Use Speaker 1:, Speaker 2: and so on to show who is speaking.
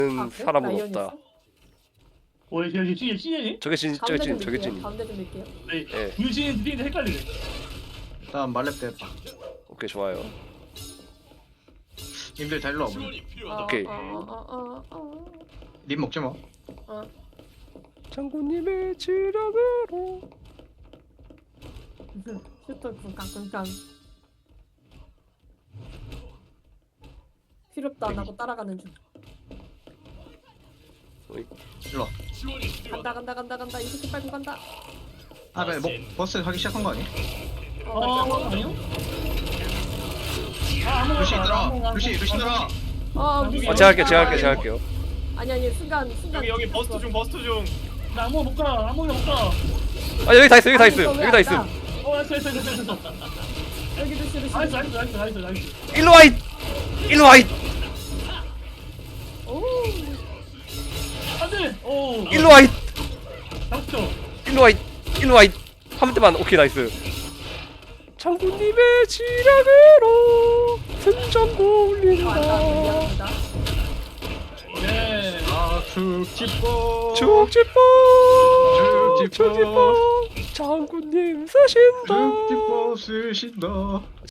Speaker 1: 사람은
Speaker 2: 라이언이었어?
Speaker 1: 없다.
Speaker 3: 여기 찐이니?
Speaker 1: 저게 진, 저게 진, 저게 진.
Speaker 2: 가운데 좀 밀게요.
Speaker 1: 예.
Speaker 3: 분신 찐인데 헷갈리네.
Speaker 4: 일단 말렙 됐다.
Speaker 1: 오케이 좋아요.
Speaker 4: 님들 다 일로 와봐.
Speaker 1: 오케이.
Speaker 4: 님 먹지 마.
Speaker 1: 장군님의 지령으로.
Speaker 2: 슈터 쿵깡쿵깡. 필요도 안 하고 따라가는 중.
Speaker 4: 일로 와.
Speaker 2: 간다. 이 새끼 빨고 간다.
Speaker 4: 아 그래 뭐 버스 하기 시작한 거 아니야?
Speaker 3: 아니요? 아무거나
Speaker 4: 루시
Speaker 3: 가,
Speaker 4: 들어.
Speaker 3: 아무거나
Speaker 4: 루시
Speaker 3: 가.
Speaker 4: 들어.
Speaker 1: 제가 할게요.
Speaker 2: 아니 순간.
Speaker 5: 여기 버스트 중.
Speaker 3: 나 아무거나 못 가. 아무거나 못 가.
Speaker 1: 아 여기 다 있음.
Speaker 2: 됐어.
Speaker 3: 됐어.
Speaker 2: 여기 루시.
Speaker 3: 나이스.
Speaker 1: 일로 와 이.
Speaker 2: 오.
Speaker 3: 안돼. 오.
Speaker 1: 일로 와 이.
Speaker 3: 잡죠.
Speaker 1: 일로 와 이. 한 대만. 오케이 나이스. 장군님의 지령으로 승전고 울린다.
Speaker 2: 미안합니다.
Speaker 3: 네.
Speaker 4: 아 축지뽀.
Speaker 1: 축지뽕.
Speaker 4: 축지뽕.
Speaker 1: 장군님 쓰신다.
Speaker 4: 축지뽀 쓰신다.